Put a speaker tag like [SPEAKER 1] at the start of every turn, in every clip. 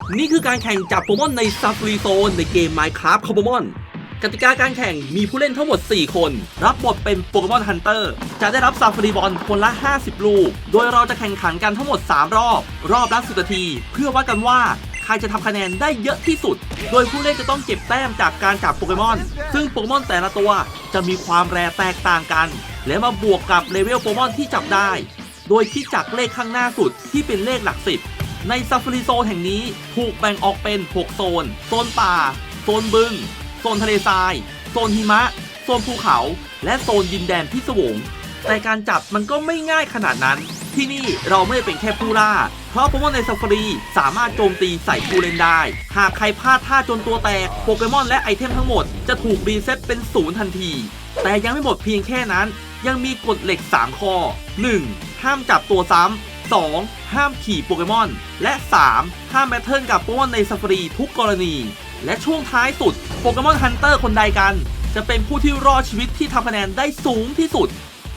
[SPEAKER 1] นี่คือการแข่งจับโปเกมอนในซัฟฟารีโซนในเกม Minecraft โปเกมอนกติกาการแข่งมีผู้เล่นทั้งหมด 4 คนรับบทเป็นโปเกมอนฮันเตอร์จะได้รับซัฟฟารีบอลคนละ 50 ลูกโดยเราจะแข่งขันกันทั้งหมด 3 รอบละ10 นาทีเพื่อวัดกันว่าใครจะทำคะแนนได้เยอะที่สุดโดยผู้เล่นจะต้องเก็บแต้มจากการจับโปเกมอนซึ่งโปเกมอนแต่ละตัวจะมีความแรแตกต่างกันและมาบวกกับเลเวลโปเกมอนที่จับได้โดยคิดจากเลขข้างหน้าสุดที่เป็นเลขหลัก10ในซัฟฟารีโซนแห่งนี้ถูกแบ่งออกเป็น 6 โซนป่าโซนบึงโซนทะเลทรายโซนหิมะโซนภูเขาและโซนดินแดนพิศวงแต่การจับมันก็ไม่ง่ายขนาดนั้นที่นี่เราไม่ได้เป็นแค่ผู้ล่าเพราะโปเกมอนในซัฟฟารีสามารถโจมตีใส่ผู้เล่นได้หากใครพลาดท่าจนตัวแตกโปเกมอนและไอเทมทั้งหมดจะถูกรีเซ็ตเป็น0ทันทีแต่ยังไม่หมดเพียงแค่นั้นยังมีกฎเหล็ก3ข้อ 1. ห้ามจับตัวซ้ำ 2. ห้ามขี่โปเกมอนและ 3. ห้ามแบทเทิลกับโปเกมอนในซัฟฟารีทุกกรณีและช่วงท้ายสุดโปเกมอนฮันเตอร์คนใดกันจะเป็นผู้ที่รอดชีวิตที่ทำคะแนนได้สูงที่สุด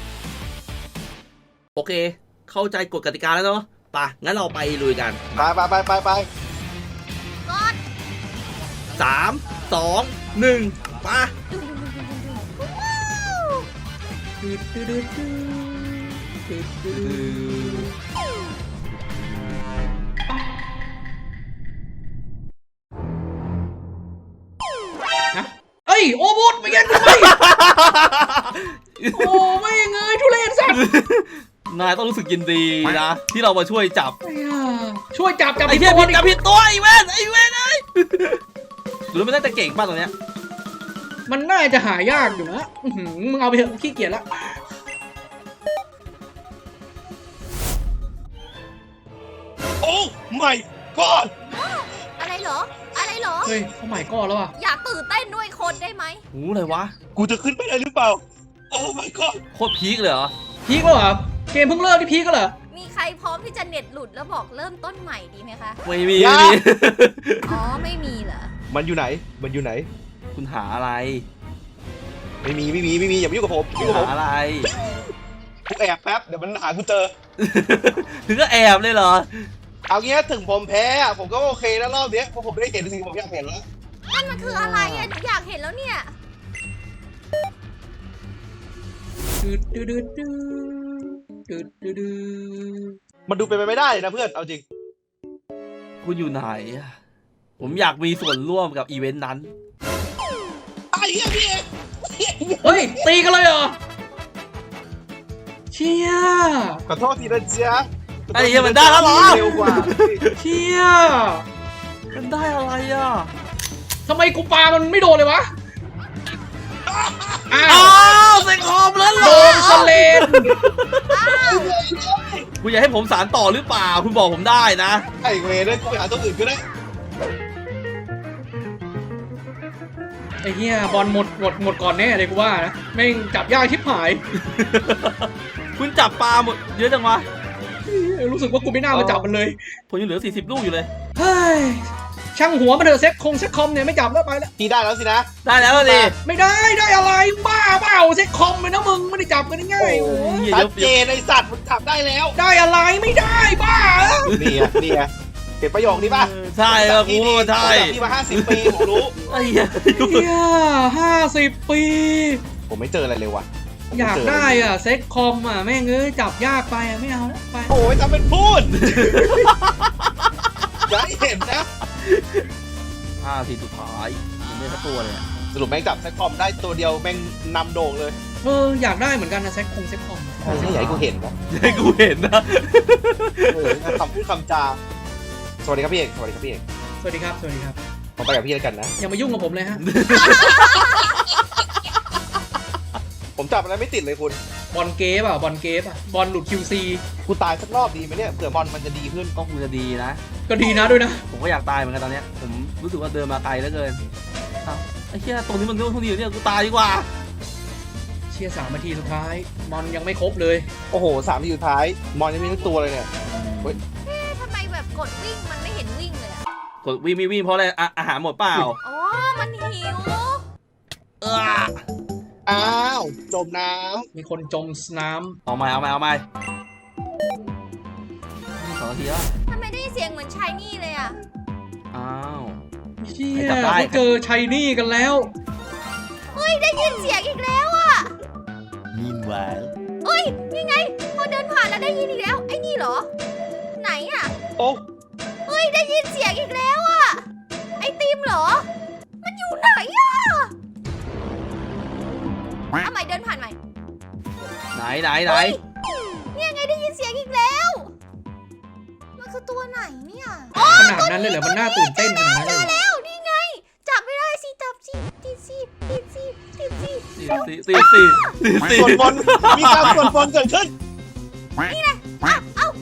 [SPEAKER 1] โอเคเข้าใจกฎกติกาแล้วเนาะไปงั้นเราไปลุยกัน
[SPEAKER 2] ไป
[SPEAKER 3] กด
[SPEAKER 1] 3 2 1มา
[SPEAKER 4] เอ้ยโอ้บุตรไปเย็นกูไปโอ้ไม่เงยทุเรศสัตว์
[SPEAKER 1] นายต้องรู้สึกยินดีนะที่เรามาช่วยจับ
[SPEAKER 4] ช่วยจับ
[SPEAKER 1] ไอ้เหี้ยจับผิดตัวไอ้เว้นไอ้หรือไม่ได้แต่เก่งป่ะตรงเนี้ย
[SPEAKER 4] มันน่าจะหายากอยู่นะมึงเอาไปเถอะขี้เกียจละ
[SPEAKER 2] โอ้ไม่ก่อน
[SPEAKER 3] อะไรเหรอ
[SPEAKER 4] เฮ้ยเขาใหม่ก้อนแล้วอ่ะ
[SPEAKER 3] อยากตื่นเต้นด้วยคนได้ไหม
[SPEAKER 1] หูอะไรวะ
[SPEAKER 2] กูจะขึ้นไปได้หรือเปล่าโอ้ไม่ก่อน
[SPEAKER 1] โคตรพีคเลยเหรอ
[SPEAKER 4] พีคแล้วเหรอเกมเพิ่งเริ่มที่พีคก็เหรอ
[SPEAKER 3] มีใครพร้อมที่จะเน็ตหลุดแล้วบอกเริ่มต้นใหม่ดีไหมคะ
[SPEAKER 1] ไม่มี
[SPEAKER 3] อ๋อไม่มีเหรอ
[SPEAKER 2] มันอยู่ไหน
[SPEAKER 1] คุณหาอะไร
[SPEAKER 2] ไม่มีอย่ามายุ่งกับผม
[SPEAKER 1] หาอะไร
[SPEAKER 2] กูแอบแป๊บเดี๋ยวมันหากูเจอ
[SPEAKER 1] ถึงก็แอบเลยเหรอ
[SPEAKER 2] เอางี้ถึงผมแพ้ผมก็โอเคแล้วรอบนี้เพราะผมได้เห็นสิ่งผมอยากเห็นแล้ว
[SPEAKER 3] นั่นมันคืออะไรอ่ะหนูอยากเห็นแล้วเนี่ย
[SPEAKER 2] มันดูเป็นไปไม่ได้นะเพื่อนเอาจริง
[SPEAKER 1] คุณอยู่ไหนผมอยากมีส่วนร่วมกับอีเวนต์นั้น
[SPEAKER 2] ไอ้เหี้ยพี่
[SPEAKER 4] เฮ้ยตีกันเลยเหรอเชี่ย
[SPEAKER 2] ขอโทษทีนะเจ๊ะ
[SPEAKER 1] ไอ้เหี้ยมันได้แล้วเหรอ
[SPEAKER 2] เร็วกว่า
[SPEAKER 4] เชี่ย
[SPEAKER 1] มันได้อะไรอ่ะ
[SPEAKER 4] ทำไมกูปามันไม่โดนเลยวะ
[SPEAKER 1] อ้าวเซ็งคอมแล้วเหรอ
[SPEAKER 4] โดนสเลน
[SPEAKER 1] คุณอยากให้ผมสารต่อหรือเปล่าคุณบอกผมได้นะ
[SPEAKER 2] ไอ้เวรได้กูไปหาตัวอื่นก็ได้
[SPEAKER 4] ไอ้เหี้ยบอลหมดก่อนแน่เลยกูว่านะแม่งจับยากชิบหาย
[SPEAKER 1] คุณจับปลาหมดเยอะจังวะ
[SPEAKER 4] รู้สึกว่ากูไม่น่ามาจับมันเลย
[SPEAKER 1] ผมยังเหลือ40 ลูกอยู่เลย
[SPEAKER 4] เฮ้ยช่างหัวมาเถอะเซ็ตคอมเนี่ยไม่จับแล้วไปแล้ว
[SPEAKER 2] พี่ได้แล้วสินะ
[SPEAKER 1] ได้แล้วดิ
[SPEAKER 4] ไม่ได้อะไรบ้าเปล่าเซ็ตคอมเลยนะมึงไม่ได้จับกันง่าย
[SPEAKER 2] ๆชัดเจนไอ้สัตว์มันจับได้แล้ว
[SPEAKER 4] ได้อะไรไม่ได้บ้า
[SPEAKER 2] นี่เห็นประโยคนี้ป่ะ
[SPEAKER 1] ใช่ครับกูใช่
[SPEAKER 2] พี่มา50 ปีผมรู้
[SPEAKER 1] ไอ้เหี้ย
[SPEAKER 4] 50 ปี
[SPEAKER 2] ผมไม่เจออะไรเลยว่ะ
[SPEAKER 4] อยากได้อ่ะเซ็ตคอมอ่ะแม่งจับยากไปไม่เอาแล้วไป
[SPEAKER 2] โอ้ยทำเป็นพูดอย่าให้เห็นนะ
[SPEAKER 1] 5 ทีสุดท้ายยังไม่สักตัวเลย
[SPEAKER 2] สรุปแม่งจับเซ็ตคอมได้ตัวเดียวแม่งนำโด่งเลย
[SPEAKER 4] อยากได้เหมือนกันนะเซ็ตคอม
[SPEAKER 2] ไม่อยากให้กูเห็นนะ
[SPEAKER 1] ให้กูเห็นนะ
[SPEAKER 2] คำพูดคำจาสวัสดีครับพี่เอกสวัสดีครับพี่เอก
[SPEAKER 4] สวัสดีครับ
[SPEAKER 2] ผมไปกับพี่แล้วกันนะ
[SPEAKER 4] อย่ามายุ่งกับผมเลยฮะ
[SPEAKER 2] ผมจับอะไรไม่ติดเลยคุณ
[SPEAKER 4] บอลเกฟบอลหลุด QC
[SPEAKER 2] กูตายสักรอบดีไหมเนี่ยเผื่อบอลมันจะดีขึ้น
[SPEAKER 1] ก็คงจะดีนะ
[SPEAKER 4] ก็ดีนะด้วยนะ
[SPEAKER 1] ผมก็อยากตายเหมือนกันตอนนี้ผมรู้สึกว่าเดินมาไกลเหลือเกินไอ้เหี้ยตรงนี้มันเรื่องเท่านี้เนี่ยกูตายดีกว่า
[SPEAKER 4] เชี่ย3 นาทีสุดท้ายมอนยังไม่ครบเลย
[SPEAKER 2] โอ้โห3 นาทีสุดท้ายมอนยังไม่ทั้งตัวเลยเนี่ย
[SPEAKER 3] ทำไมแบบกดวิ่งมันไม่เห็นวิ่งเลย
[SPEAKER 1] กดวิ่งเพราะอะไรอาหารหมดเปล่า
[SPEAKER 3] อ๋อมันหิว
[SPEAKER 2] อ้าวจมน้
[SPEAKER 4] ำมีคนจมน้
[SPEAKER 1] ำเอาใหม่2 นาทีแล้ว
[SPEAKER 3] ทำไมได้เสียงเหมือนชายนี่เลยอ่ะ
[SPEAKER 1] อ้าว
[SPEAKER 4] เชี่
[SPEAKER 1] ใคร
[SPEAKER 4] ย
[SPEAKER 1] จับได้
[SPEAKER 4] เขาเจอชัยนี่กันแล้ว
[SPEAKER 3] เฮ้ยได้ยินเสียงอีกแล้วอ่ะ
[SPEAKER 5] Meanwhile.
[SPEAKER 3] เฮ้ยยังไงพอเดินผ่านแล้วได้ยินอีกแล้วไอ้นี่เหรอ ไหนอ่ะ
[SPEAKER 2] โอ้
[SPEAKER 3] เฮ้ยได้ยินเสียงอีกแล้วอ่ะไอติมเหรอ มันอยู่ไหนอ่ะเอาใหม่เดินผ่านใหม่
[SPEAKER 1] ไหน
[SPEAKER 3] เฮ้ยเนี่ยไงได้ยินเสียงอีกแล้ว มันคือตัวไหนเนี่ย
[SPEAKER 4] ขนาดนั้นเลยเหรอ มันน่าตื่นเต้นขนาดนั้น
[SPEAKER 3] เจ
[SPEAKER 4] เลยเหรอ
[SPEAKER 3] อแล้วนี่ไง จับไม่ได้สิจับสิติดสิติดสิติดสิ
[SPEAKER 1] สี่
[SPEAKER 2] ส่วนบนมีการส่วนบนเกิดขึ้น
[SPEAKER 3] เอ้า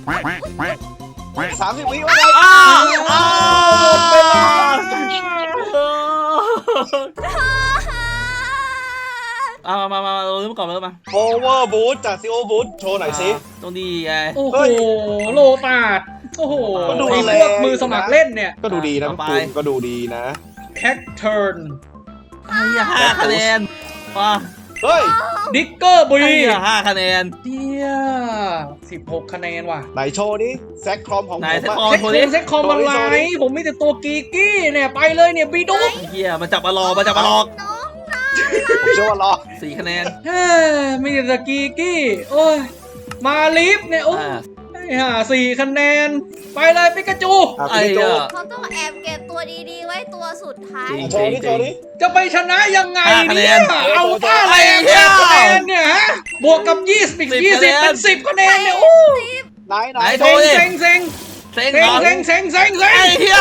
[SPEAKER 2] 30 วิว่าไง
[SPEAKER 1] อ้าว
[SPEAKER 2] อ้าว
[SPEAKER 1] เอามาเราเริ่มก่อนมา
[SPEAKER 2] โอเวอร์บูทจากซีโอบูทโชว์หน่อยสิ
[SPEAKER 1] ตรงนี้ไง
[SPEAKER 4] โอ้โห
[SPEAKER 2] เฮ้ย
[SPEAKER 4] โลตาดโอ้โห
[SPEAKER 2] มันดู
[SPEAKER 4] ไอ้
[SPEAKER 2] แร
[SPEAKER 4] พวก
[SPEAKER 2] ง
[SPEAKER 4] มือสมัครเล่นเนี่ย
[SPEAKER 2] ก็ดูดีนะ
[SPEAKER 1] ต่อไป
[SPEAKER 2] คุณก็ดูดีนะ
[SPEAKER 4] แท็กเทิร์น
[SPEAKER 1] ไอ้เหี้ย5 คะแนนว้า
[SPEAKER 2] เฮ้ย
[SPEAKER 4] ดิกเกอร์บี
[SPEAKER 1] ไอ้เหี้ย5 คะแนน
[SPEAKER 4] เดีย16 คะแนนว่ะ
[SPEAKER 2] ไหนโชว์นี้แซคครอมของผม
[SPEAKER 1] ไหนแซค
[SPEAKER 2] อะ
[SPEAKER 1] คอม
[SPEAKER 4] เซ็กคอมอะไรผมมีแต่ตัวกีกี้เนี่ยไปเลยเนี่ยบีดุ๊ก
[SPEAKER 1] ไอ้เหี้ยมันจับมาหลอก
[SPEAKER 3] น้อง
[SPEAKER 2] ผมเชื่อว่ารอ
[SPEAKER 1] 4 คะแนน
[SPEAKER 4] เฮ้ยมีแต่กีกี้โอ้ยมาลิฟเนี่ยโอ้ย 4 คะแนน ไปเลยปิกาจู
[SPEAKER 2] อ่ะ
[SPEAKER 1] ไอ้
[SPEAKER 2] คุณโจ
[SPEAKER 1] เหี้ย
[SPEAKER 3] เขาต้องแอบเก็บตัวดีๆไว้ตัวสุดท้าย
[SPEAKER 1] จริง
[SPEAKER 2] โชว์นี้โชว์นี้
[SPEAKER 4] จะไปชนะยังไง
[SPEAKER 1] 5 คะแน
[SPEAKER 4] เนี่ย
[SPEAKER 1] น
[SPEAKER 4] เอาท่าอะไร
[SPEAKER 1] ไอ้เหี้ย
[SPEAKER 4] คะแนนเนี่ยฮะบวกกับ20อีก
[SPEAKER 1] 10
[SPEAKER 4] 20เป็น10 คะแนนเนี่ยโอ้
[SPEAKER 2] ไหน
[SPEAKER 1] ไหนโช
[SPEAKER 4] เซ็ง
[SPEAKER 1] ว์ดิ
[SPEAKER 4] เซ็งเซ็ง
[SPEAKER 1] เซ็ง
[SPEAKER 4] เซ็ง
[SPEAKER 1] เหรอ
[SPEAKER 4] เซ็งเซ็งเซ็งเซ็
[SPEAKER 1] ไอ้
[SPEAKER 4] ง
[SPEAKER 1] เหี้ย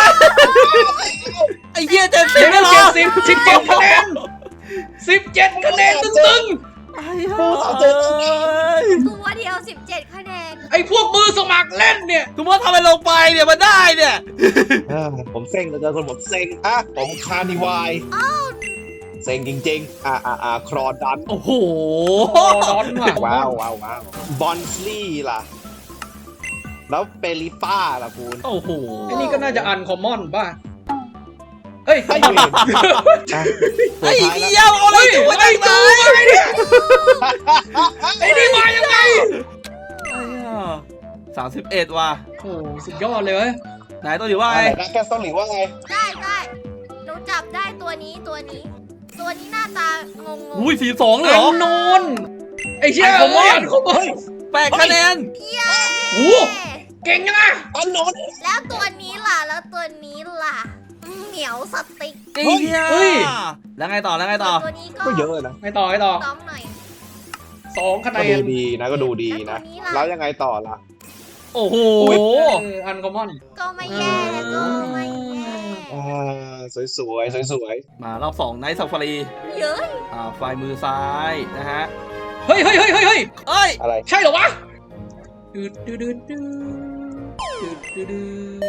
[SPEAKER 1] ไอ้เหี้ย70
[SPEAKER 4] เดี๋ยว
[SPEAKER 1] ไม่หรอ
[SPEAKER 4] 17คะแนน17 คะแนนตึง
[SPEAKER 1] ไอ้เหี้ย
[SPEAKER 3] ตัวเดียว 17 คะแนน
[SPEAKER 4] ๆไอ้พวกมือสมัครเล่นเนี่ย
[SPEAKER 1] คุณว่าทำไมลงไปเนี่ยมันได้เนี่ย
[SPEAKER 2] ผมเซ็งเหลือเกินคนผมเซ็งอ่ะผมคานิวายเซ็งจริงๆครอดัน
[SPEAKER 1] โอ้โห
[SPEAKER 4] โอ้ร้อนว่ะ
[SPEAKER 2] ว้าวบอนสลี่ล่ะ แล้วเปริป้าล่ะคุณ
[SPEAKER 1] โอ้โห
[SPEAKER 4] ไอ้นี่ก็น่าจะอันคอมมอนป่ะเฮ้ย
[SPEAKER 2] ให้เวรตัว
[SPEAKER 1] ไอ้
[SPEAKER 2] ท้าย
[SPEAKER 1] เหี้
[SPEAKER 2] แล้ว
[SPEAKER 1] ยเอาอะไร
[SPEAKER 4] เฮ้ย
[SPEAKER 1] อยู่
[SPEAKER 4] ไอ้
[SPEAKER 1] ได้
[SPEAKER 4] ตู
[SPEAKER 1] ไหม
[SPEAKER 4] มาเนี่ยไอ้นี่มายังไง
[SPEAKER 1] 31ว่ะ
[SPEAKER 4] โอ้สุดยอดเลยเว้ย
[SPEAKER 1] ไหนตัวอยู่ว่า
[SPEAKER 2] อะไร
[SPEAKER 1] ไง
[SPEAKER 2] นะแกสต้องหลิวว่าไง
[SPEAKER 3] ได้หนูจับได้ตัวนี้ตัวนี้หน้าตางง
[SPEAKER 1] อุ้ย42เลยเหรอ
[SPEAKER 4] อันโนนไอ้เชี่ย
[SPEAKER 1] อันคอมมอน
[SPEAKER 4] อันคอมมอน
[SPEAKER 1] 8 คะแนน
[SPEAKER 3] เย้
[SPEAKER 4] โอ้เก่งยังไง
[SPEAKER 2] อันนน
[SPEAKER 3] แล้วตัวนี้ล่ะเหนียวสติ๊ก
[SPEAKER 1] ไอ้เหี้ยแล้วไงต่อ
[SPEAKER 3] ตัวนี้
[SPEAKER 2] ก็เยอะนะ
[SPEAKER 4] ไม่ต่อ
[SPEAKER 3] น้องหน่อย
[SPEAKER 4] 2 คะแน
[SPEAKER 2] ก็ดู
[SPEAKER 4] น
[SPEAKER 2] ดีนะก็ดูดีนะ แล้วยังไงต่อล่ะ
[SPEAKER 1] โอ้โห
[SPEAKER 4] อันคอมมอน
[SPEAKER 3] ก็ไม่แย่ก็ไม่แย่
[SPEAKER 2] สวย
[SPEAKER 1] มารอบ2ไนท์ซาฟารี
[SPEAKER 3] เย้ย
[SPEAKER 1] ไฟมือซ้ายนะฮะ
[SPEAKER 4] เฮ้ย
[SPEAKER 1] เอ้ย
[SPEAKER 2] อะไร
[SPEAKER 4] ใช่เหรอวะดืดดืดดืดดืดดืด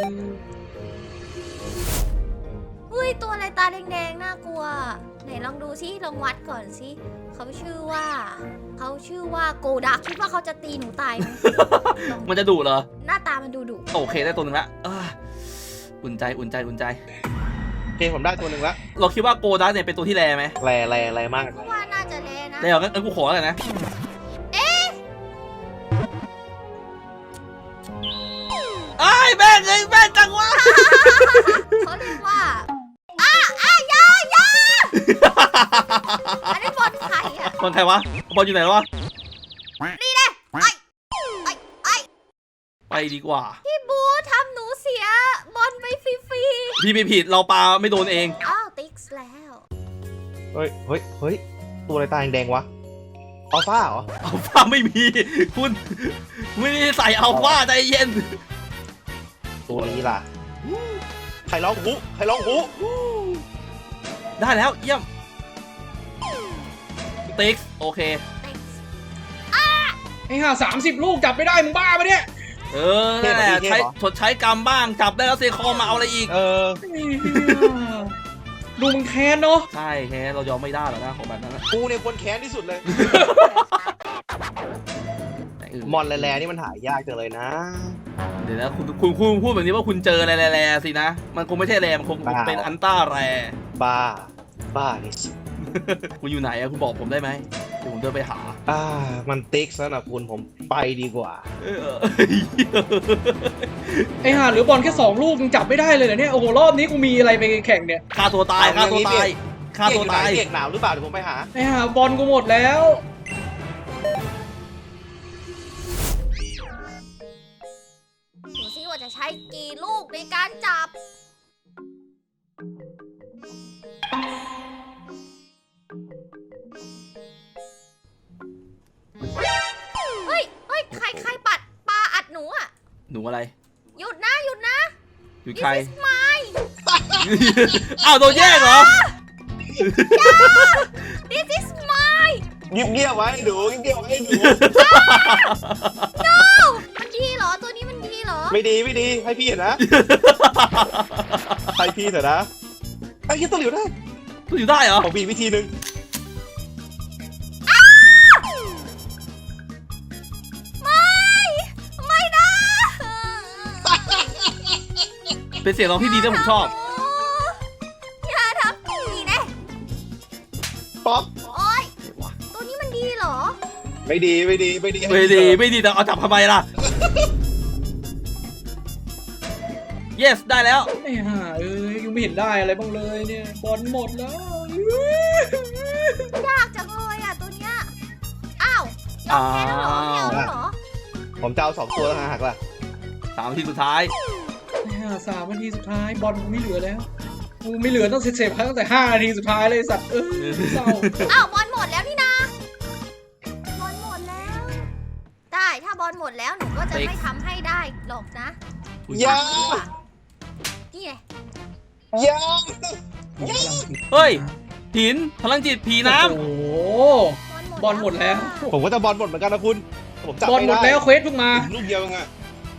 [SPEAKER 3] เฮ้ยตัวอะไรตาแดงๆน่ากลัว ไหนลองดูซิลองวัดก่อนซิเขาชื่อว่าโกดักคิดว่าเขาจะตีหนูตายไหม
[SPEAKER 1] มันจะดุเหรอ
[SPEAKER 3] หน้าตามันดูดุ
[SPEAKER 1] โอเคได้ตัวหนึ่งละอุ่นใจ
[SPEAKER 2] โอเคผมได้ตัวหนึ่งละ
[SPEAKER 1] เราคิดว่าโกดักเนี่ยเป็นตัวที่แรไหม
[SPEAKER 2] แรมาก
[SPEAKER 3] เพราะว่าน่าจะแลนะ
[SPEAKER 1] แรเหรองั้นกูขอเลยนะ ไอ้แม่งเลยแม่งจังวะ
[SPEAKER 3] เขาเรียกว่าอยาอันนี้บอลไข่อะ
[SPEAKER 1] บอลใครวะบอลอยู่ไหนวะ
[SPEAKER 3] นี่แหละ
[SPEAKER 1] ไปดีกว่า
[SPEAKER 3] พี่บูทำหนูเสียบอลไปฟรี
[SPEAKER 1] พี่ไม่ผิดเราปาไม่โดนเอง
[SPEAKER 3] ๆอ้าวติ๊กซ์แล้ว
[SPEAKER 2] เฮ้ยตัวอะไรตาแดงวะอัลฟาเหรอ
[SPEAKER 1] อัลฟาไม่มี คุณไม่ได้ใส่อัลฟาใจเย็น
[SPEAKER 2] ตัวนี้ล่ะใครร้องหู
[SPEAKER 1] ได้แล้วเยี่ยมติ๊กโอเค
[SPEAKER 3] ติ๊กซ์
[SPEAKER 4] ไอ้ห่า30 ลูกจับไม่ได้มึงบ้าปะเนี่ย
[SPEAKER 1] นั่นแหละใช้ชดใช้กรรมบ้างจับได้แล้วเซคอมมาเอาอะไรอีก
[SPEAKER 4] ดูมึงแค้นเนาะ
[SPEAKER 1] ใช่แค่เรายอมไม่ได้หรอกนะของแบบนั้นนะ
[SPEAKER 2] กูเนี่ยคนแค้นที่สุดเลย
[SPEAKER 1] แต่
[SPEAKER 2] มอนแร่ๆนี่มันหายากจังเลยนะ
[SPEAKER 1] เดี๋ยวนะคุณพูดแบบนี้ว่าคุณเจออะไรแร่ๆสินะ มันคงไม่ใช่แร่มันคงเป็นอันต้าแร่
[SPEAKER 2] บ้านี่สิ
[SPEAKER 1] คุณอยู่ไหนอะคุณบอกผมได้ไหมเดี๋ยวผมเดินไปหา
[SPEAKER 2] มันติ๊กซะนะคุณผมไปดีกว่า
[SPEAKER 4] ไอ้ห่าเหลือบอลแค่2 ลูกยังจับไม่ได้เลยเหรอเนี่ยโอ้โหรอบนี้กูมีอะไรไปแข่งเนี่ย
[SPEAKER 1] ฆ่าตัวตายฆ่าตัวตายฆ่าตัวตาย
[SPEAKER 2] เรียกหนาวหรือเปล่าเดี๋ยวผมไปหา
[SPEAKER 4] ไอ้ห่าบอลกูหมดแล้ว
[SPEAKER 3] ดูซิว่าจะใช้กี่ลูกในการจับ เฮ้ย ใครปัดปลาอัดหนูอ่ะ
[SPEAKER 1] หนูอะไร
[SPEAKER 3] หยุดนะ
[SPEAKER 1] อยู่
[SPEAKER 3] This
[SPEAKER 1] ใคร
[SPEAKER 3] is mine
[SPEAKER 1] อ้าวโดนแย่งเหรอ
[SPEAKER 3] This is mine
[SPEAKER 2] เงียบๆไว้ดูเงียบๆไว้ดู
[SPEAKER 3] มันดีเหรอ ตัวนี้มันดีเหรอ
[SPEAKER 2] ไม่ดีให้พี่เห็นนะ ให้พี่เถอะนะไอ้ยี่ตัวเหลียวได้
[SPEAKER 1] ตัวอยู่ได้เหรอ
[SPEAKER 2] ผมมีวิธีหนึ่ง
[SPEAKER 3] ไม่นะ
[SPEAKER 1] เป็นเสียงร้องที่ดีที่ผมชอบ
[SPEAKER 3] อย่าทำนี่นะ
[SPEAKER 2] ป๊อป
[SPEAKER 3] โอ๊ย ตัวนี้มันดีเหรอ
[SPEAKER 2] ไม่ดี
[SPEAKER 1] ไม่ดีแต่เอาจับทำไมล่ะ yes ได้แล้ว
[SPEAKER 4] ไอ้ห่ายังไม่เห็นได้อะไรบ้างเลยเนี่ยบอลหมดแล้ว
[SPEAKER 3] ยากจังเลยอ่ะตัวเนี้ย อ้าวยอมแพ้แล้วเหรอไม่เอาแล้วเหรอ
[SPEAKER 2] ผมจะเอา2 ตัวแล้วหักล่ะ
[SPEAKER 1] 3 ทีสุดท้าย
[SPEAKER 4] ไอ้ห่า3 นาทีสุดท้ายบอลกูไม่เหลือแล้วกูไม่เหลือต้องเสร็จๆตั้งแต่5 นาทีสุดท้ายเลยสัตว์เศร้า
[SPEAKER 3] อ้าวบอลหมดแล้วนี่นะบอลหมดแล้ว ได้ถ้าบอลหมดแล้วหนูก็จะไม่ทำให้ได้หรอกนะ
[SPEAKER 2] อย่า
[SPEAKER 3] ดีกว่านี่ไง
[SPEAKER 2] อย่า
[SPEAKER 1] เฮ้ยหินพลังจิตผีน้
[SPEAKER 4] โอ้โหบอลหมดแล้ว
[SPEAKER 2] ผมก็จะบอลหมดเหมือนกันนะคุณ ผมจับบ
[SPEAKER 4] อล
[SPEAKER 2] ไม่
[SPEAKER 4] หมด
[SPEAKER 2] ได้
[SPEAKER 4] แล้วเควสเพิ่งมา
[SPEAKER 2] ลูกเดียวเองอะ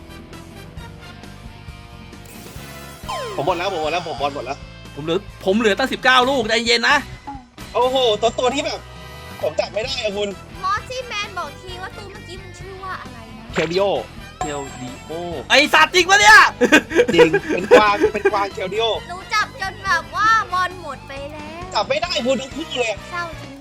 [SPEAKER 2] ผมบอลแล้วผมบอลแล้ว
[SPEAKER 1] ำผมเหลือตั้ง19 ลูกใจเย็นนะ
[SPEAKER 2] โอ้โหตัวที่แบบ ผมจับไม่ได้อะคุณ
[SPEAKER 3] มอสซี่แมนบอกทีว่าตัวเมื่อกี้มันชื่อว่าอะไรนะ
[SPEAKER 2] เคลดิโอ
[SPEAKER 1] เทลดีโอไอสัตว์จริงปะเนี่ย
[SPEAKER 2] จริง เป็นกวางเคลดิโอ
[SPEAKER 3] หนูจับจนแบบว่าบอลหมดไปแล้ว
[SPEAKER 2] จับไม่ได้คุณทั้งคู่เลย
[SPEAKER 3] เศร้าจริง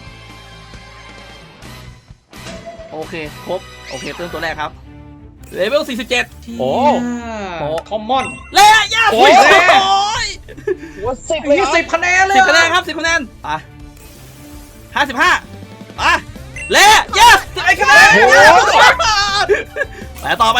[SPEAKER 1] โอเคครบโอเคเติมตัวแรกครับเลเวล47
[SPEAKER 2] โอ้
[SPEAKER 4] คอมมอน
[SPEAKER 1] เละย่า
[SPEAKER 4] โอ้ย
[SPEAKER 2] หัวสิบเลย
[SPEAKER 4] มี
[SPEAKER 2] อะ
[SPEAKER 4] 10 คะแนนเลย
[SPEAKER 1] 10 คะแนนครับ10 คะแนนอ่ะ55อ่ะเละย่า11 คะแนนไปต่อ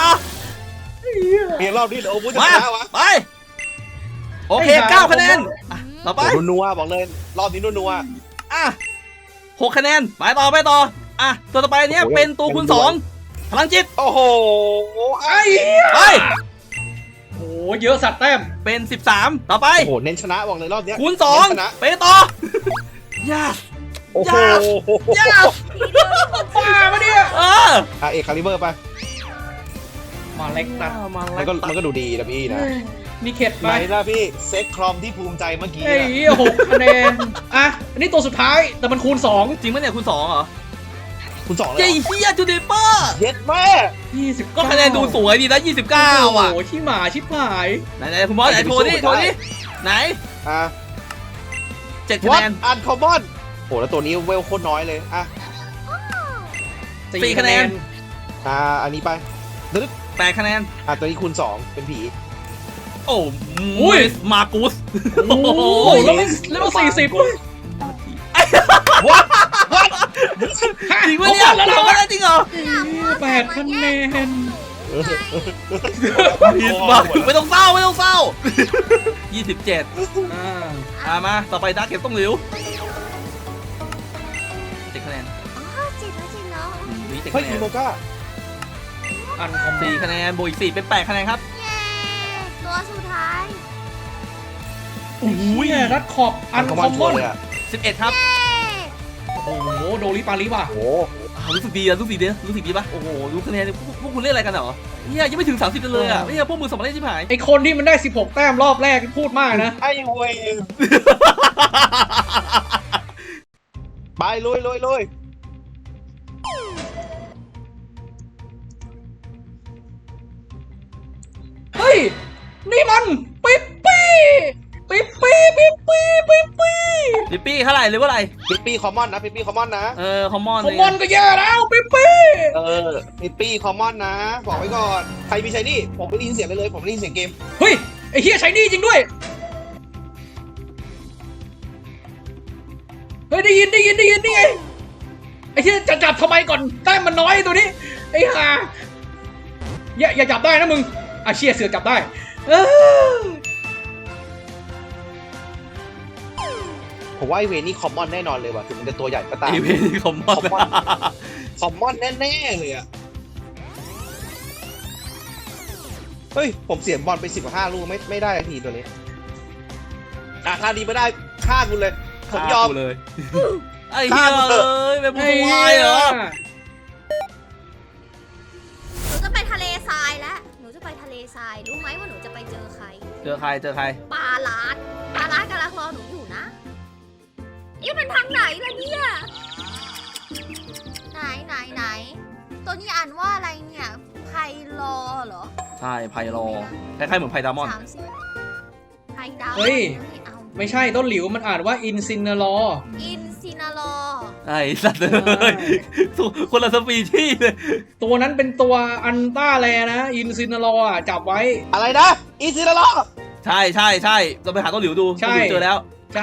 [SPEAKER 2] มีรอบนี้เดี๋ยวโอ้พูดจะ
[SPEAKER 1] มา
[SPEAKER 2] ชนะวะ
[SPEAKER 1] ไปโอเค9 คะแนนอ่ะต่อไป
[SPEAKER 2] โอ้นัวบอกเลย รอบนี้นัว
[SPEAKER 1] อ่ะ6 คะแนนไปต่ออ่ะตัวต่อไปเนี้ย
[SPEAKER 2] โอ้ย
[SPEAKER 1] เป็นตัวคูณ
[SPEAKER 2] ยัง
[SPEAKER 1] 2พลังจิต
[SPEAKER 2] โอ้โห
[SPEAKER 4] ไอ้
[SPEAKER 1] ไป
[SPEAKER 4] โอ้เยอะสัตว์แต้ม
[SPEAKER 1] เป็น13ต่อไป
[SPEAKER 2] โอ้โหเน้นชนะบอกเลยรอบเนี้ย
[SPEAKER 1] คูณ
[SPEAKER 2] เน้นชนะ
[SPEAKER 1] 2ไปต่อ yes
[SPEAKER 2] โอ้โห
[SPEAKER 1] yes
[SPEAKER 4] บ้าปะเนี่ย
[SPEAKER 1] เออ
[SPEAKER 2] เอกคาลิเบอร์ไป
[SPEAKER 4] มาเล็กตัด
[SPEAKER 2] มันก็ดูดีนะพี่นะ
[SPEAKER 4] มีเข็ด
[SPEAKER 2] ไห
[SPEAKER 4] ไป
[SPEAKER 2] นล่ะพี่เซ็กครอมที่ภูมิใจเมื่อกี้
[SPEAKER 4] ไอ้
[SPEAKER 2] อะ
[SPEAKER 4] 6 คะแนนอ่ะอันนี้ตัวสุดท้ายแต่มันคูณ 2
[SPEAKER 1] จริงปะเนี่ยคูณ2เหรอ
[SPEAKER 2] คุณ2เลย
[SPEAKER 1] เจ๊เฮียจูเดเปอร์
[SPEAKER 2] เย็ดแม่
[SPEAKER 4] 29
[SPEAKER 1] ก็คะแนนดูสวยดีนะ29อ่ะ
[SPEAKER 4] โอ้โหชิหมาชิบหาย
[SPEAKER 1] ไหนคุณบอสไหนโทรนี่ไหน
[SPEAKER 2] อ่ะ
[SPEAKER 1] 7 คะ
[SPEAKER 2] วั
[SPEAKER 1] แน
[SPEAKER 2] ด
[SPEAKER 1] น
[SPEAKER 2] อันคอมมอนโหแล้วตัวนี้เวลโคตรน้อยเลยอ่ะ
[SPEAKER 1] 4 คะแนน
[SPEAKER 2] อันนี้ไป
[SPEAKER 1] 8 คะแนน
[SPEAKER 2] ตัวนี้คูณ2เป็นผี
[SPEAKER 1] โอ้ยมากุส
[SPEAKER 4] โอ้โหแล้วมัน40
[SPEAKER 2] วัด
[SPEAKER 1] จริงปะเนี่ยทำได้จริงเหรอ
[SPEAKER 4] 8 คะแนน
[SPEAKER 1] ผิดว่ะไม่ต้องเศร้า27มาต่อไปดาร์กเก็บต้องหลิว7 คะแนน
[SPEAKER 3] ๆอ๋อจิตแล้วจริงเนาะ
[SPEAKER 1] นี่7
[SPEAKER 2] เฮ้
[SPEAKER 1] คะ
[SPEAKER 2] ย
[SPEAKER 1] แน
[SPEAKER 2] อี
[SPEAKER 1] น
[SPEAKER 2] โมก้า
[SPEAKER 4] อันคอม
[SPEAKER 1] 4 คะแนนบวกอีก4เป็น8 คะแนนครับ
[SPEAKER 3] เย้ตัวสุดท้าย
[SPEAKER 4] โอ้ยรัดขอบอันคอมม
[SPEAKER 2] ชัว
[SPEAKER 4] อน
[SPEAKER 2] ร์เลยอ่ะ
[SPEAKER 1] 11 ครับ
[SPEAKER 3] เย้
[SPEAKER 4] โอ้โหโดริปาริป่ะ
[SPEAKER 2] โอ้
[SPEAKER 1] รู้สึกดีปะโอ้โหรู้คะแนนพวกคุณเล่นอะไรกันเหรอเนี่ยยังไม่ถึง30เลยอ่ะเนี่ยพวกมือสองเล่นชิบหาย
[SPEAKER 4] ไอคนที่มันได้ 16 แต้มรอบแรกพูดมากนะ
[SPEAKER 2] ไอ้เว้ยไปลุย
[SPEAKER 4] เฮ้ย นี่มันปิ๊ปปี้ปิ๊ปปี้ปิ๊ปปี้
[SPEAKER 1] ลิปปี้เท่าไหร่หรือว่าอะไร
[SPEAKER 2] ปิปปี้คอมมอนนะปิปปี้คอมมอนนะ
[SPEAKER 1] คอมมอน
[SPEAKER 4] คอมมอนก็แย่แล้วปิ๊ปปี้
[SPEAKER 2] ปิปปี้คอมมอนนะบอกไว้ก่อนใครมีใช้นี่ผมไม่ได้ยินเสียงเลยผมไม่ได้ยินเสียงเกม
[SPEAKER 4] เฮ้ยไอ้เฮียใช้นี่จริงด้วยเฮ้ยได้ยินนี่ไงไอ้เฮียจะจับทำไมก่อนแต้มมันน้อยตัวนี้ไอ้ห่าอย่าจับได้นะมึงเชี่ยเสือจับได้
[SPEAKER 2] ผมว่าไอเวนี่คอมมอนแน่นอนเลยว่ะถึงมันจะตัวใหญ่ก็ตาม
[SPEAKER 1] อีเวนต์คอมมอน
[SPEAKER 2] คอมมอนแน่ๆเลยอะเฮ้ยผมเสียบอลไป15 ลูกไม่ได้ทีตัวนี้ถ้าดีไม่ได้ฆ่าคุณเลยผมยอม
[SPEAKER 1] เลยไอ้เหี้ยเอ้ยเป็นผู้วายเหรอ
[SPEAKER 3] หนูจะไปทะเลทรายแล้วหนูจะไปทะเลทรายรู้ไหมว่าหนูจะไปเจอใคร
[SPEAKER 1] เจอใคร
[SPEAKER 3] ปลาลาดกำลังรอหนูอยู่นะนี่มันทางไหนล่ะเนี่ยไหนตัวนี้อ่านว่าอะไรเนี่ยไพลอเหรอ
[SPEAKER 1] ใช่ไพรอคล้ายๆเหมือนไพดามอน
[SPEAKER 3] 30ไพดาว
[SPEAKER 4] เฮ้ย
[SPEAKER 3] ไม่เอา
[SPEAKER 4] ไม่ใช่ต้นหลิวมันอ่านว่าอินซินเนอรอ
[SPEAKER 3] อินซินาลอ
[SPEAKER 1] ไอ้สัตว์เลยคนละสปีชีส์เลย
[SPEAKER 4] ตัวนั้นเป็นตัวอันต้าแลนะอินซินเนอรอจับไว้
[SPEAKER 2] อะไรนะอีซิลาล็อก
[SPEAKER 1] ใช่เราไปหาต้นหลิวดู
[SPEAKER 4] ใช่
[SPEAKER 1] ต้นหลิวเจอแล้ว
[SPEAKER 4] ใช่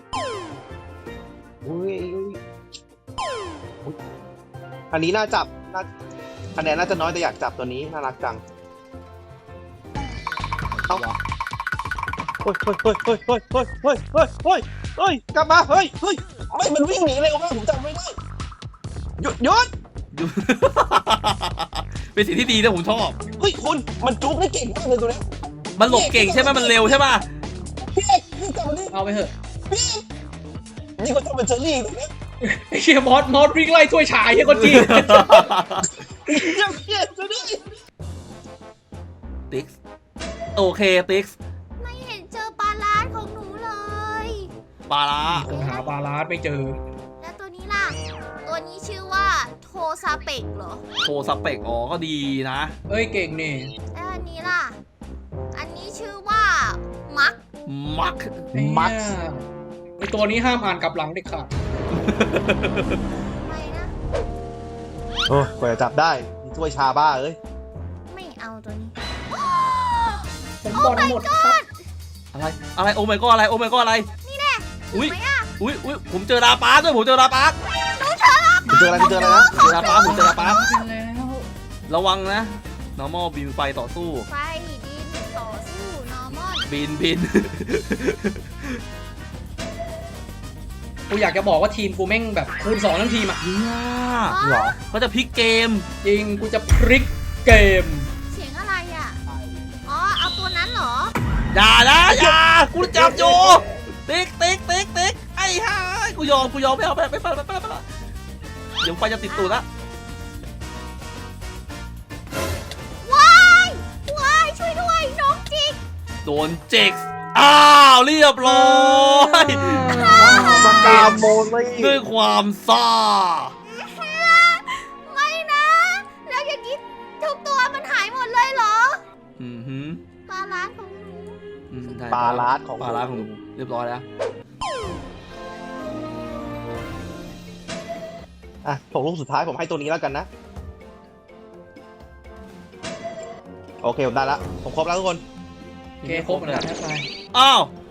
[SPEAKER 2] อันนี้น่าจับคะแนนน่าจะน้อยแต่อยากจับตัวนี้น่ารักจังเอ้าเฮ้ยกลับมาเฮ้ยไม่มันวิ่งหนีเลยว่าผมจำไม่ได้หยุด
[SPEAKER 1] เป็นสิ่งที่ดีนะผมชอบ
[SPEAKER 2] เฮ้ยคุณมันจุกได้เก่งมากเลยตัวนี้
[SPEAKER 1] มันหลบเก่งใช่ไหมมันเร็วใช่ป่ะ
[SPEAKER 2] พี่เอกนี่กลับมาดิ
[SPEAKER 4] เอาไปเถอะ
[SPEAKER 2] พี่นี่ก็ต้องเป็นเชอรี่ตัวนี้
[SPEAKER 4] ไอ้เชี่ยมอสวิ่งไล่ถ้วยชายเฮียคนจี
[SPEAKER 2] เย้ตัวนี้
[SPEAKER 1] ติ๊กซ์โอเคติ๊กซ์
[SPEAKER 3] ไม่เห็นเจอปลาลาดของหนูเลย
[SPEAKER 1] ปลาร้า
[SPEAKER 4] คนหาปลาลาดไม่เจอ
[SPEAKER 3] แล้วตัวนี้ล่ะ ตัวนี้ชื่อว่าโทซาเปกเหรอ
[SPEAKER 1] โทรสเปกอ๋อก็ดีนะ
[SPEAKER 4] เอ้ยเก่งนี่
[SPEAKER 3] แล้วอันนี้ล่ะ อันนี้ชื่อว่ามัก
[SPEAKER 1] มัก
[SPEAKER 2] มัก
[SPEAKER 4] ไอตัวนี้ห้ามอ่านกลับหลังเด็ดขาด
[SPEAKER 3] ไม่นะ
[SPEAKER 2] โอ้กว่าจะจับได้มีถ้วยชาบ้าเอ้ย
[SPEAKER 3] ไม่เอาตัวนี้
[SPEAKER 4] ผมบอลหมดครับ
[SPEAKER 1] อะไรโอ้ my god อะไรโอ้ my god อะไรนี่แน่อุ้ย
[SPEAKER 3] ไหมอ่ะ
[SPEAKER 1] อุ้ยผมเจอลาปาร์คด้วยผมเจอลาปาร์ค
[SPEAKER 2] เจออะไรนะ
[SPEAKER 1] เจอลาปาร์คผมเจอลาปาร์ค
[SPEAKER 4] แล้ว
[SPEAKER 1] ระวังนะ normal บินไฟต่อสู้
[SPEAKER 3] ไฟดินต่อสู้นอร์มอน
[SPEAKER 1] บิน
[SPEAKER 4] กูอยากจะบอกว่าทีมกูแม่งแบบคูณ2ทั้งทีมอ่ะ
[SPEAKER 1] เนี่ย
[SPEAKER 2] เหรอ
[SPEAKER 1] เขาจะพลิกเกม
[SPEAKER 4] จริงกูจะพลิกเกม
[SPEAKER 3] เสียงอะไรอ่ะ อ๋อ เอาตัวนั้นเหรอ
[SPEAKER 1] อย่านะอย่ากูจับอยู่ติ๊กไอ้ห่ากูยอมไม่เอาไปเดี๋ยวไฟจะติดตูดละ
[SPEAKER 3] ว้าย ช่วยด้วย น้องจิก
[SPEAKER 1] โดนเจ็กอ้าวเรียบร้อย
[SPEAKER 2] สกาโมลี่
[SPEAKER 1] ด้วยความซ่า
[SPEAKER 3] ไม่นะ แล้วอย่างนี้ทุกตัวมันหายหมดเลยเหรอ
[SPEAKER 1] อือหือ
[SPEAKER 3] ปลาร้านของหนู
[SPEAKER 1] ได้
[SPEAKER 2] ปลาลาดของ
[SPEAKER 1] ปลาร้าของหนูเรียบร้อยแล้ว
[SPEAKER 2] ผมลูกสุดท้ายผมให้ตัวนี้แล้วกันนะ โอเคผมได้ละผมครบแล้วทุกคน
[SPEAKER 4] โอเคครบแล้วนะไป
[SPEAKER 1] อ้าว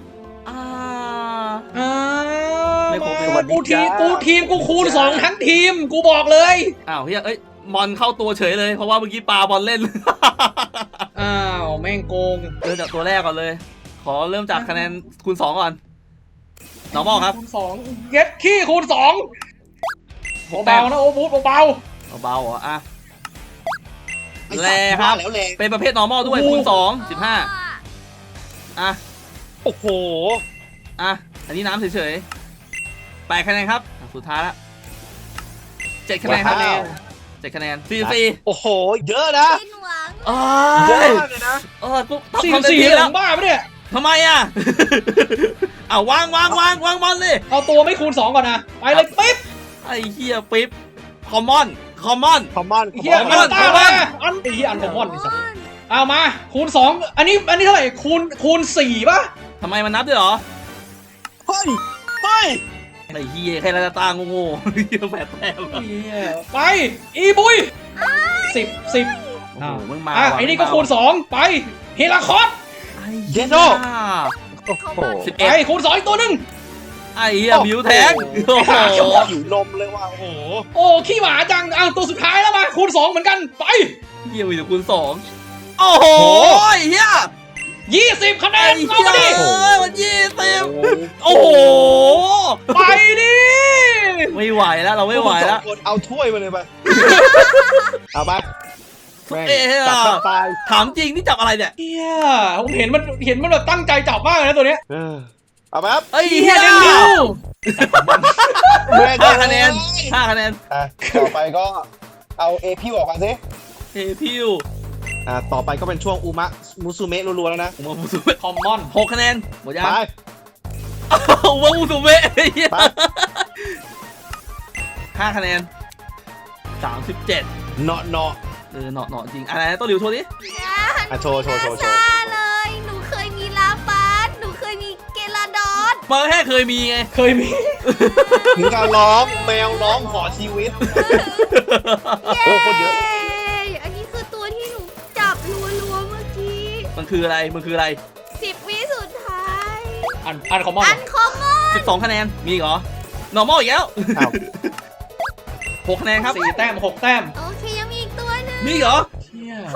[SPEAKER 4] ไม่ครบ
[SPEAKER 1] ไม่
[SPEAKER 4] กูทีมกูคูณ2ทั้งทีมกูบอกเลย
[SPEAKER 1] อ้าวเฮ้ยเอ้ยมอนเข้าตัวเฉยเลยเพราะว่าเมื่อกี้ปลาบอลเล่น
[SPEAKER 4] อ้าวแม่งโกง
[SPEAKER 1] เริ่มจากตัวแรกก่อนเลย ขอเริ่มจากคะแนนคูณ2ก่อน normal ครับ
[SPEAKER 4] คูณ2เย็ดขี้คูณ2เบาๆนะโอ้บูธเบา
[SPEAKER 1] เบาๆเหรออ่ะ
[SPEAKER 2] ไอ้
[SPEAKER 1] แล
[SPEAKER 2] สัตว์
[SPEAKER 1] ครับ
[SPEAKER 2] ว่าแล้วแรง
[SPEAKER 1] เป็นประเภท normal ด้วยคูณ2 15อ่ะ
[SPEAKER 2] โอ้โห
[SPEAKER 1] อ่ะอันนี้น้ำเฉยๆ8คะแนนครับอ่ะสุดท้ายละ7คะแนนครับ
[SPEAKER 2] ว้าว
[SPEAKER 1] 7คะแนนฟรี
[SPEAKER 2] โอ้โห เยอะนะ
[SPEAKER 3] เป็นหวัง
[SPEAKER 1] ๆอ้า
[SPEAKER 2] เยอะ
[SPEAKER 1] ย
[SPEAKER 2] มากเลยนะ
[SPEAKER 1] ปุ๊บ
[SPEAKER 4] ๆ
[SPEAKER 1] ทำเต็มที่
[SPEAKER 4] 4
[SPEAKER 1] แล้ว
[SPEAKER 4] บ้าปะเนี่ย
[SPEAKER 1] ทำไมอ่ะ เอาวางบอลเลย
[SPEAKER 4] เอาตัวไม่คูณ2ก่อนนะไปเลยปิ๊บ
[SPEAKER 1] ไอ้เฮียปิ๊บคอมมอน
[SPEAKER 2] คอมมอน
[SPEAKER 4] เฮีย
[SPEAKER 1] คอมม
[SPEAKER 4] อั
[SPEAKER 1] อน
[SPEAKER 4] นต้ามาอันไอ้เฮียอันคอมมอนนี่สัสเอามาคูณ2อันนี้เท่าไหร่คูณ4ป่ะ
[SPEAKER 1] ทำไมมันนับด้วยเหรอ
[SPEAKER 2] เฮ้ย
[SPEAKER 1] ไอ้เฮียแค่ลาตาโง่ๆเฮีย8 แต้ม
[SPEAKER 4] เหี้ยไปอีบุย10
[SPEAKER 1] โอ้โหมึงมา
[SPEAKER 4] อ่ะ
[SPEAKER 1] ว่ะ
[SPEAKER 4] ไอ้นี่ก็
[SPEAKER 1] มึงมา
[SPEAKER 4] คูณ 2 ไปเฮลาคอส
[SPEAKER 1] ไอ้
[SPEAKER 2] เยโน่
[SPEAKER 3] เขามา
[SPEAKER 1] สิบ
[SPEAKER 4] ไป
[SPEAKER 1] เอ็ด
[SPEAKER 4] คูณ 2 อีกตัวหนึ่ง
[SPEAKER 1] ไอ้เหี้ยมิวแทงโอ้โห
[SPEAKER 2] อยู่ลมเลยว่ะโอ้โห
[SPEAKER 4] โอ้ขี้หมาจังอ่ะตัวสุดท้ายแล้วมาคูณ 2 เหมือนกันไป
[SPEAKER 1] เหี้ยมีแต่คูณ2โอ้โหไอ้เหี้ย
[SPEAKER 4] 20 คะแน
[SPEAKER 1] ไอ้
[SPEAKER 4] น
[SPEAKER 1] เหี้
[SPEAKER 4] เอา
[SPEAKER 1] ย
[SPEAKER 4] มาดิ
[SPEAKER 1] มัน20โอ้โห
[SPEAKER 4] ไปดิ
[SPEAKER 1] ไม่ไหวแล้วเราไม่ไหวแล้ว
[SPEAKER 2] พกคุณสองคนเอาถ้วยมาเลยไปเอาไปแม่ง
[SPEAKER 1] เอ๊ะ
[SPEAKER 2] จับกันตาย
[SPEAKER 1] ถามจริงนี่จับอะไรเนี่ย
[SPEAKER 4] เฮียผมเห็นมันแบบตั้งใจจับมากเลยนะตัวเนี้ย
[SPEAKER 2] เอาไปครับ
[SPEAKER 1] ไอ้
[SPEAKER 4] เฮี
[SPEAKER 1] เหี้
[SPEAKER 4] ย
[SPEAKER 1] ย
[SPEAKER 4] เดนนิว
[SPEAKER 1] 5 คะแนน5 คะแนน
[SPEAKER 2] อ่ะต่อไปก็เอาเอพิวออกมาสิ
[SPEAKER 1] เทพิว
[SPEAKER 2] ต่อไปก็เป็นช่วงอุมะมุสุเมะรัวๆแล้วนะ
[SPEAKER 1] ผมว่ามูสุเมะ
[SPEAKER 4] คอมมอน
[SPEAKER 1] 6 คะแนนหมดยัง
[SPEAKER 2] ไป
[SPEAKER 1] ผมว่ามูสุเมะไอ้เหี้ย
[SPEAKER 2] ไป
[SPEAKER 1] 5 คะแนน37
[SPEAKER 2] เนาะเนาะ
[SPEAKER 1] เหนาะจริงอะไรนะต้นหลิวโชว์ดิ
[SPEAKER 2] อ่ะโชว์
[SPEAKER 3] ซาเลย หนูเคยมีลาฟัสหนูเคยมีเกลาดอน
[SPEAKER 1] มันแค่เคยมีไง
[SPEAKER 4] เคยมี
[SPEAKER 2] ถึงการร้องแมวร้องขอชีวิต โอ้คนเยอะ
[SPEAKER 3] อันนี้คือตัวที่หนูจับรัวๆเมื่อกี้
[SPEAKER 1] มันคืออะไร
[SPEAKER 3] 10 วิสุดท้าย
[SPEAKER 4] อันคอมมอน
[SPEAKER 3] อันคอมมอน
[SPEAKER 1] 12 คะแนน มีอีกเหรอ normal อีกแล้ว
[SPEAKER 2] อ้าว
[SPEAKER 1] 6 คะแนนครับ
[SPEAKER 4] 4 แต้ม 6 แต้ม
[SPEAKER 3] โอเคยังมีอีกตัวหนึง
[SPEAKER 1] มีอีกเหรอ
[SPEAKER 4] เฮีย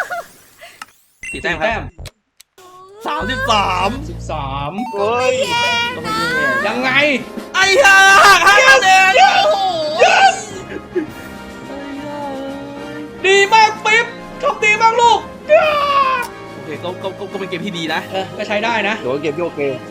[SPEAKER 1] 4 แต้ม
[SPEAKER 4] 4
[SPEAKER 1] ครั
[SPEAKER 4] แต้ม
[SPEAKER 1] บ33
[SPEAKER 4] 13
[SPEAKER 2] เฮ้ย
[SPEAKER 1] ก็ไม่แย่
[SPEAKER 4] ยังไง
[SPEAKER 1] ไอ้ห่า5 คะแนนโอ้โห
[SPEAKER 4] ดีมากปิ๊บทำดีมากลูก
[SPEAKER 1] โอเคก็เป็นเกมที่ดีนะ
[SPEAKER 4] ก็ใช้ได้นะ
[SPEAKER 2] โดนเกมที่โอเค